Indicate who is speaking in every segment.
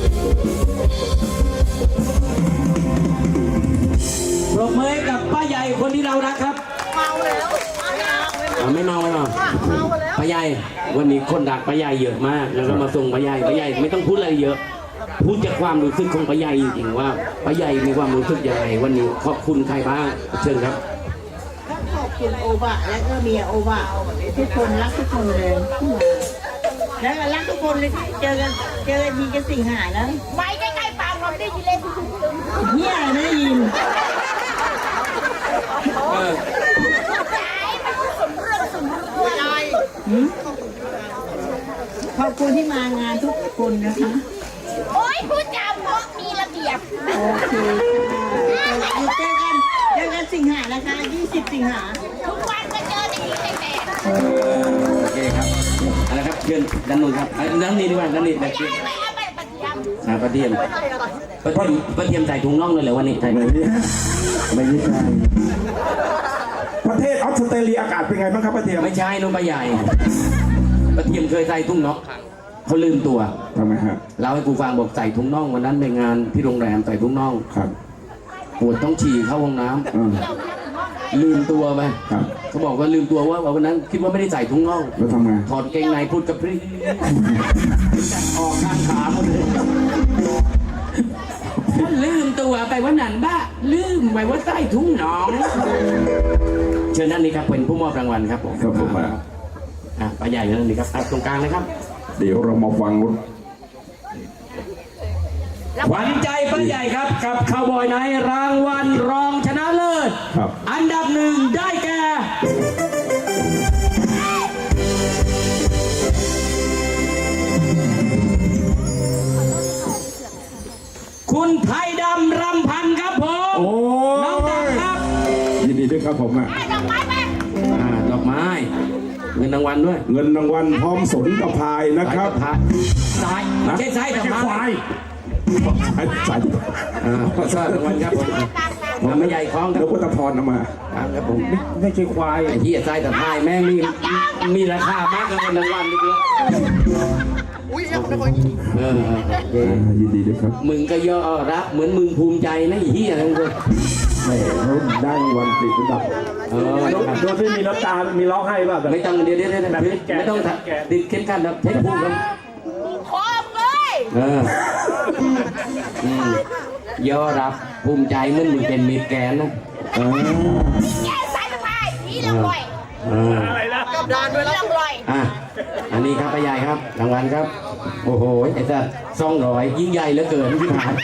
Speaker 1: ปรบมือกับป้าใหญ่คนที่เรารักครับเมาแล้วไม่เมาป้าใหญ่วันนี้คนรักป้าใหญ่เยอะมากแล้วก็มาส่งป้าใหญ่ไม่ต้องพูดอะไรเยอะพูดจากความรู้สึกของป้าใหญ่จริงๆว่าป้าใหญ่มีความรู้สึกยังไงวันนี้ขอบคุณใครบ้างเชิญครับ
Speaker 2: ขอบคุณโอบะและก็เมียโอบะทุกคนรักทุกคนเลยแล้วก็รักทุกคนเลยเจอกันทีจะสิ่งหายแล้ว
Speaker 3: ไม่ใกล้ๆปากเราได้ยินเลย
Speaker 2: เฮียอะไรไม่ได้ยินขอบคุณที่มางานทุกคนนะคะ
Speaker 3: โอ้ยพูดจาเพราะมีระเบียบ
Speaker 2: โอเคเจอกันสิงหานะคะ20 สิงหา
Speaker 3: ทุกวันก็เจอแต่ที่แต่
Speaker 1: โอเคครับอะไรครับเชิญด้านนู้นครับด้านนี้ดีกว่าด้านนี้เชิญปลาเทียมใส่ถุงน่องเลยเหรอวันนี้ใส่ไม่ใช่
Speaker 4: ประเทศออสเตรเลียอากาศเป็นไงบ้างครับปลาเทียม
Speaker 1: ไม่ใช่นุ่มปลาใหญ่ปลาเทียมเคยใส่ถุงน่องเขาลืมตัว
Speaker 4: ทำไมฮะ
Speaker 1: เราให้กูฟังบอกใส่ถุงน่องวันนั้นในงานที่โรงแรมใส่ถุงน่อง
Speaker 4: ครับ
Speaker 1: ปวดต้องฉี่เข้าห้องน้ำลืมตัวไปเขาบอกว่าลืมตัวว่าวันนั้นคิดว่าไม่ได้ใส่ถุงน่อง
Speaker 4: แล้วทำไง
Speaker 1: ถอดเกงในพูดกับพี่ออกข้างขาหมดเลยลืมตัวไปว่านันบ้าลืมไปว่าใส่ถุงน่องเชิญนั่นนี่ครับเป็นผู้มอบรางวัลครับผม
Speaker 4: ครับผม
Speaker 1: ป้าใหญ่นั่นนี่ครับตรงกลางเลยครับ
Speaker 4: เดี๋ยวเรามาฟัง
Speaker 1: ขวัญใจป้าใหญ่ครับกับคาวบอยไนท์รางวัลรองชนะเลิศอันดับ1ได้แก่คุณไทยดำรำพันครับผมน้องดำครับ
Speaker 4: ยินดีด้วยครับผม
Speaker 3: ดอกไม้ไหม
Speaker 1: ดอกไม้เงินรางวัลด้วย
Speaker 4: เงินรางวัลพร้อมสนกระพายนะครับ
Speaker 1: ซ้ายไม่ใช่ซ้ายแต่ขวา
Speaker 4: สาย
Speaker 1: สายรางวัลครับผมไม่ใหญ่คล้อง
Speaker 4: แล้วพุทธพรเอามา
Speaker 1: ครับผมไม่ใช่ควายไอ้ที่ซ้ายแต่พายแม่งมีราคามากกว่าเงินรางวัลนิดเดียว
Speaker 4: อุ้ยยินดีด้วยครับ
Speaker 1: มึงก็ย่อรับเหมือนมึงภูมิใจนะไอ้เหี้ยทั้งคน
Speaker 4: ไม่เขาได้รางวัลติดอันดับ
Speaker 5: โดยที่มีน้ำตา มีร้องไห้ป่ะ
Speaker 1: ไม่ต้องเดี๋ยวไม่ต้องติดเข้มขันครับเทคพูดครับ
Speaker 3: พร้อมเลย
Speaker 1: ย่อรับภูมิใจเหมือนมึงเป็นมิตรแกนนะ
Speaker 3: แกสายสะพายนี่ลำลอย
Speaker 5: อะไรนะ
Speaker 3: กับดานด้วยลำลอย
Speaker 1: อันนี้ครับป้าใหญ่ครับรางวัลครับโอ้โหไอ้สัตว์200ยิ่งใหญ่เหลือเกินที่ผ่าน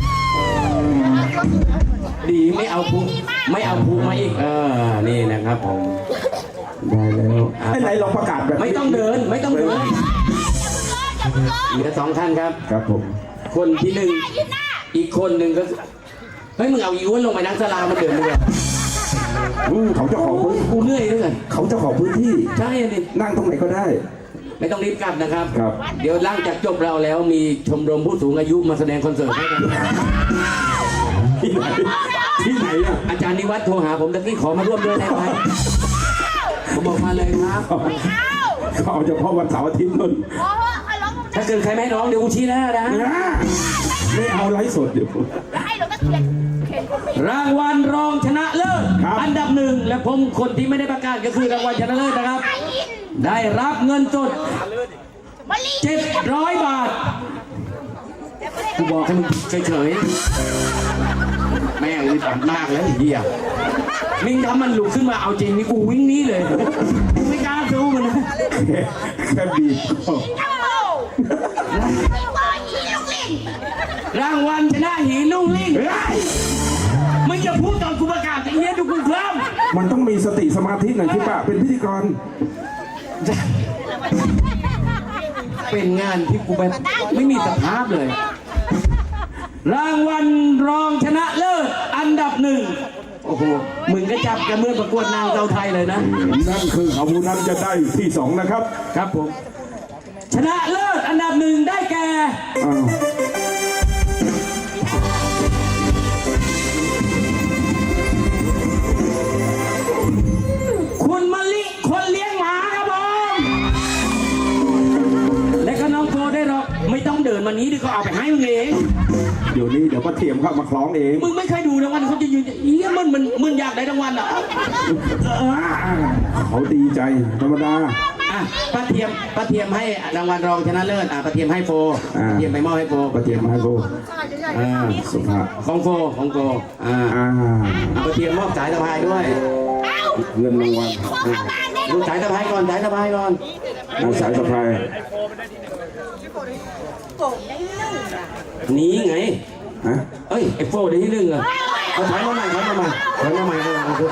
Speaker 1: ดีไม่เอาภูมาอีกนี่นะครับผม
Speaker 4: ได้แล้วไหนลองประกาศแบบ
Speaker 1: ไม่ต้องเดินเหลือ2ท่านครับ
Speaker 4: ครับผม
Speaker 1: คนที่1อีกคนหนึ่งก็เฮ้ยมึงเอาอีอ้วนลงไปนั่งศาลามาเดินมึง
Speaker 4: เขาเจ้าของพื้น
Speaker 1: กูเหนื่อยเลย
Speaker 4: เขาเจ้าของพื้นที่
Speaker 1: ใช่ดิ
Speaker 4: นั่งตรงไหนก็ได้
Speaker 1: ไม่ต้องรีบกลับนะครับ
Speaker 4: ครับ
Speaker 1: เดี๋ยวหลังจากจบเราแล้วมีชมรมผู้สูงอายุมาแสดงคอนเสิร์ตให้กัน
Speaker 4: ที่ไหน
Speaker 1: อาจารย์นิวัฒน์โทรหาผมตะกี้ขอมาร่วมด้วยได้ไหมผมบอกมาเลยครับ
Speaker 4: เขาเอาเฉพาะวันเสาร์อาทิตย์นู่น
Speaker 1: ถ้าเกิดใครไม่ร้องเดี๋ยวกูชี้หน้านะ
Speaker 4: ไม่เอาไลฟ์สดเดี๋ยว
Speaker 1: รางวัลรองชนะเลิศอันดับ1และผมคนที่ไม่ได้ประกาศก็คือรางวัลชนะเลิศนะครับได้รับเงินสด700 บาทกูบอกให้มึงเฉยๆแม่งอึดอัดมากแล้วไอ้เหี้ยมิ่งทำมันลุกขึ้นมาเอาจริงนี่กูวิ่งนี้เลยกูไม่กล้าสู้มันนะ
Speaker 4: แค่บีบ
Speaker 1: รางวัลชนะหีนุ่งลิ่งไม่จะพูดตอนกูประกาศไอ้เหี้ยดูกูเคลิ้ม
Speaker 4: มันต้องมีสติสมาธิหน่อยที่ป่ะเป็นพิธีกร
Speaker 1: เป็นงานที่กูแบบไม่มีสภาพเลยรางวัลรองชนะเลิศอันดับ1โอ้โหมึงก็จับกันเมื่อประกวดนางเจ้าไทยเลยนะ
Speaker 4: นั่นคือเขาผู้นั้นจะได้ที่2นะครับ
Speaker 1: ครับผมชนะเลิศอันดับ1ได้แก่คุณมะลิคนเลี้ยงหมาครับผมและก็น้องโกได้หรอกไม่ต้องเดินวันนี้ดิเขาเอาไปให้มึงเอง
Speaker 4: ดี๋ยวนี้เดี๋ยวป้าเทียมเข้ามาคล้องเอง
Speaker 1: มึงไม่เคยดูรางวัลเขาจะยืนอีมึงอยากได้รางวัลอ่ะ
Speaker 4: เขาดีใจธรรมดา
Speaker 1: อ่ะป้าเทียมให้รางวัลรองชนะเลิศป้าเทียมให้โฟป้าเทียมไปมอบให้โฟ
Speaker 4: ป้าเทียมมาให้โบสุภาพ
Speaker 1: ของโฟป้าเทียมมอบสายสะพายด้วย
Speaker 4: เงินรางวัล
Speaker 1: ดูสายสะพายก่อนสายสะพายก่อน
Speaker 4: เอาสายสะพาย
Speaker 1: นี้ไง
Speaker 4: ฮะ
Speaker 1: เอ้ยไอ้โฟได้ที่หนึ่งเหรอเอาถอยมาใหม่ขอโทษเอาใหม่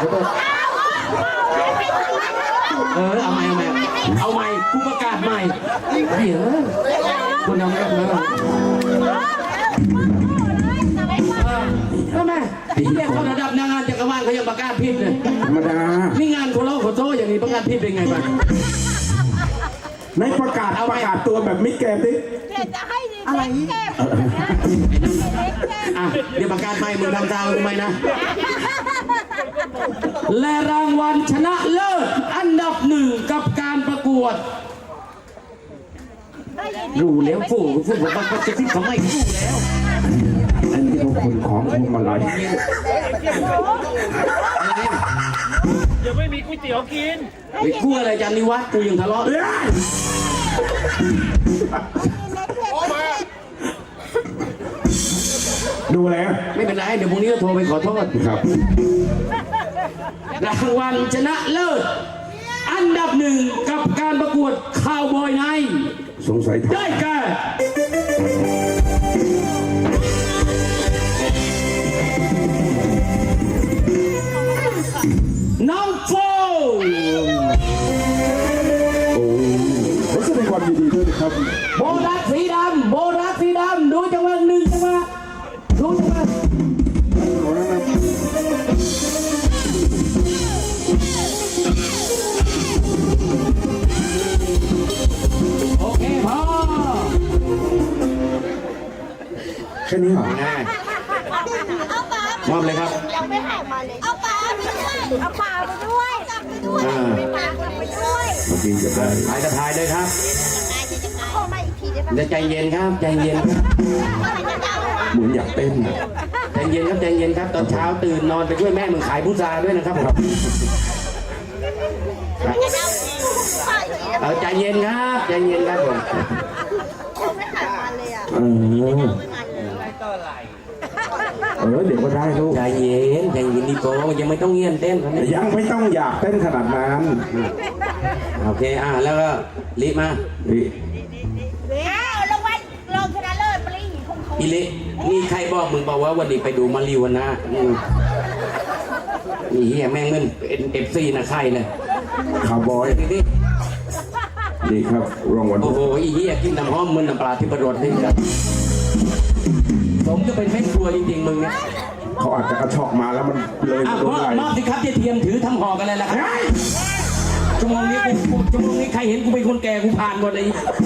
Speaker 1: กูประกาศใหม่เดี๋ยวคุณเอาไม่ได้ก็แม่เนี่ยเขาระดับนางงานจักรวาลเขายังประกาศผิดเลย
Speaker 4: ธรรมดา
Speaker 1: นี่งานโคโลโคโซอย่างนี้ประกาศผิดเป็นไงบ้าง
Speaker 4: ในประกาศตัวแบบมิดแกมดิ
Speaker 3: จะให้อะไรแก้
Speaker 1: อ่ะเดี๋ยวประกาศใหม่มึงทำตามกูไหมนะ และรางวัลชนะเลิศอันดับหนึ่งกับการประกวดรู้แล้วฟูบอกว่าจะคิดทำไมรู้แล้ว
Speaker 4: อันนี้เขาคนของพวงมาลัย
Speaker 5: เดี๋ยวไม่มีก๋วยเตี๋ยวกิน
Speaker 1: ไปกู้อะไรจันนิวัฒน์กูยังทะเลาะ
Speaker 4: ดูแล้ว
Speaker 1: ไม่เป็นไรเดี๋ยวพรุ่งนี้ก็โทรไปขอโทษ
Speaker 4: ครับ
Speaker 1: รางวัลชนะเลิศอันดับหนึ่งกับการประกวดข่าวบอยไนท์
Speaker 4: สงสัย
Speaker 1: ได้แก่น้องโฟ
Speaker 4: โอ้ขอแสดงความยินดีด้วยนะครับ
Speaker 1: โบรัสสีดำดูจังหวะหนึ่งจังหวะดูจังหวะโอเคพอ
Speaker 4: แค่นี้เหรอ
Speaker 1: ง่าย
Speaker 3: เอาปลาม
Speaker 1: อบเลยครับ
Speaker 3: ยังไม่หายมาเลยเอาปลาไปด้วยเอาปลาไปด้วยกลับไปด้วยไปปลากลับไปด้วย
Speaker 4: เมื่อกี้จะได้
Speaker 1: ถ่ายจะถ่ายเลยครับ
Speaker 3: ขอมาอีกทีได้ปะ
Speaker 1: เดี๋ยวใจเย็นครับใจเย็นครับ
Speaker 4: เหมือนอยากเต้นนะ
Speaker 1: ใจเย็นครับใจเย็นครับตอนเช้าตื่นนอนไปช่วยแม่มึงขายพุทราด้วยนะครับผมเอาใจเย็นครับใจเย็นครับผม
Speaker 3: ไม่หายมาเลยอ่ะ
Speaker 4: เออเดี๋ยวก็ได้ลูก
Speaker 1: ใจเย็นดีโก้ยังไม่ต้องเงียนเต้นครับ
Speaker 4: ยังไม่ต้องอยากเต้นขนาดนั้น
Speaker 1: โอเคแล้วก็รีบมา
Speaker 4: นี่
Speaker 3: อ้าวรางวัลรองชนะเลิศปรีคงเขา
Speaker 1: อีลินี่ใครบอกมึงบอกว่าวันนี้ไปดูมาริวนะนี่เฮียแม่งเงินเอฟซีนะใครเลย
Speaker 4: คาร์บอย
Speaker 1: นี่
Speaker 4: นี่ครับรางวัล
Speaker 1: โอ้โหอีเฮียกินน้ำหอมมึนน้ำปลาที่ประโดดนี่ครับผมจะเป็นแม่ครัวจริงๆมึงเนี่ย
Speaker 4: เขาอาจจะกระชอกมาแล้วมันเลย
Speaker 1: อ่ะ
Speaker 4: โดนไหล
Speaker 1: มอบสิครับเทียมถือทำห่อกันเลยละครับชั่วโมงนี้ใครเห็นกูเป็นคนแก่กูผ่านหมดเลย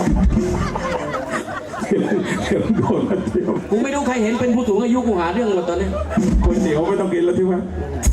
Speaker 4: เดี๋ยวโดนมาเที่ยว
Speaker 1: กูไม่รู้ใครเห็นเป็นผู้สูงอายุกูหาเรื่องหมดตอนนี้
Speaker 4: ก๋วยเตี๋ยวไม่ต้องกินแล้วที่ว่า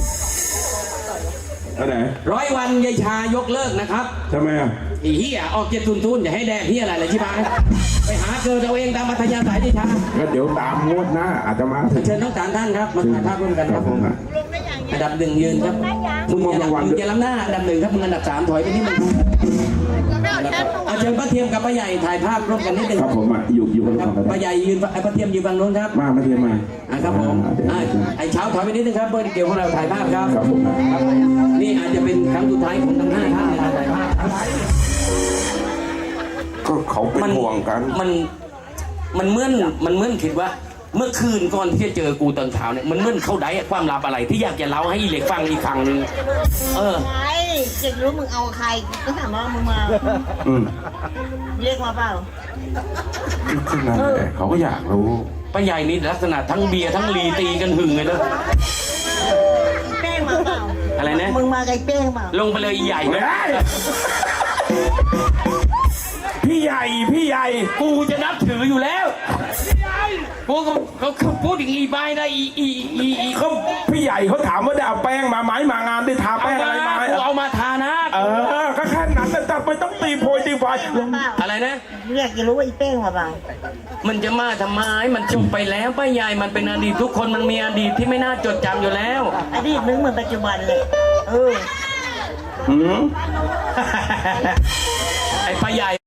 Speaker 4: อันไหน
Speaker 1: 100 วันยายชายกเลิกนะครับ
Speaker 4: ทำไมอ่ะ
Speaker 1: อีเหี้ยออก700อย่าให้แดกเหี้ยอะไรเลยใช่ไหมไปหาเกิดเอาเองตามมัธยาสายยายชา
Speaker 4: ก็เดี๋ยวตามงวดหน้าอาจจะมาถึง
Speaker 1: เชิญทั้งสามท่านครับมาถ่ายภาพร่วมกันครับผมอันดับหนึ่งยืนครับมึงจะล้ำหน้าอันดับหนึ่งครับมึงอันดับ3ถอยไปที่มึงเอาเชิญป้าเทียมกับป้าใหญ่ถ่ายภาพร่วมกันนิดนึง
Speaker 4: ครับผมอ่ะอยู่กัน
Speaker 1: ค
Speaker 4: ก่
Speaker 1: รั
Speaker 4: อบ นก็
Speaker 1: ป้า
Speaker 4: ได้
Speaker 1: ใหญ่ยืนป้าเทียมยืนฝั่งโน้นครับ
Speaker 4: มาเทียมมา
Speaker 1: ครับผมไอ้เช้าถอยไปนิดนึงครับเบอร์เกี่ยวของเราถ่ายภาพครับ
Speaker 4: ครับผม
Speaker 1: นี่อาจจะเป็นครั้งสุดท้ายของทั้ง5ท่านในการถ่ายภาพ
Speaker 4: ก็เขาเป็นห่วงกัน
Speaker 1: มันเหมือนคิดว่าเมื่อคืนก่อนที่จะเจอกูตอนเช้าเนี่ยมันเหมือนเข้าได้ความลับอะไรที่อยากจะเล่าให้อีเล็กฟังอีกครั้งหนึง
Speaker 2: ไงอยากรู้มึงเอาใครก็ถามว่ามึงมา เรียกมาเปล่า
Speaker 4: ขึ้นนั่นแหละเขาก็อยากรู้
Speaker 1: ป้าใหญ่นี่ลักษณะทั้งเบียร์ทั้งลีตีกันหึงเลยนะ
Speaker 2: แป้งมาเปล่า
Speaker 1: อะไรนะ
Speaker 2: มึงมาไกลแป้งเปล่า
Speaker 1: ลงไปเลยอีใหญ่ไหม
Speaker 4: พี่ใหญ่
Speaker 1: กูจะนับถืออยู่แล้วกูเขาพูดอย่างอีใบนะอี
Speaker 4: เขาพี่ใหญ่เขาถามว่าได้เอาแป้งมาไหมมางานได้ทาแป้งอะไรมา
Speaker 1: กูเอามาทานะ
Speaker 4: ก็แค่นั้นจับไปต้องตีโพยตีไฟลง
Speaker 1: อะไรนะ
Speaker 2: เรียกจะรู้ว่าอีเป้งมาบ้าง
Speaker 1: มันจะมาทำไมมันจบไปแล้วป้าใหญ่มันเป็นอดีตทุกคนมันมีอดีตที่ไม่น่าจดจำอยู่แล้ว
Speaker 2: อดีตนึงเหมือนปัจจุบันเลย
Speaker 1: ไอ้ป้าใหญ่